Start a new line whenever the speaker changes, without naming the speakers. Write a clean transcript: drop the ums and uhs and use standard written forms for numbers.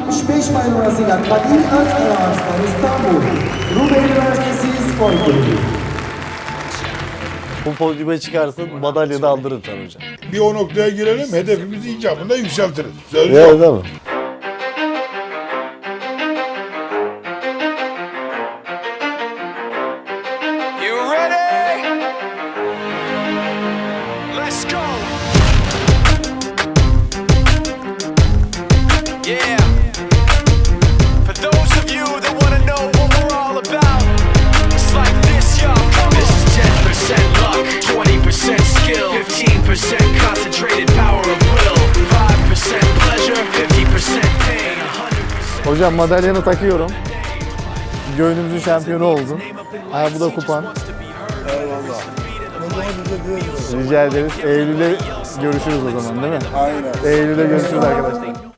65 may numarasıyla Kadir Özkaya Arslan İstanbul Rumeli Üniversitesi Spor Kulübü.
Bu podyuma çıkarsın, madalya da aldırır sana hocam.
Bir o noktaya girelim, hedefimizi icabında yükseltiriz. Söz
Evet,
yok.
değil mi?
You ready? Let's go. Yeah. For those of you that want to know what we're all about, it's like this, y'all. This is 10% luck, 20% skill, 15% concentrated power of will, 5% pleasure, 50% pain, 100%.
Hocam madalyanı takıyorum. Gönlümüzün şampiyonu oldun. Ha, bu da kupan.
Eyvallah. O zaman bize
Rica ederiz. Eylül'de görüşürüz o zaman, değil mi?
Aynen.
Eylül'de görüşürüz arkadaşlar.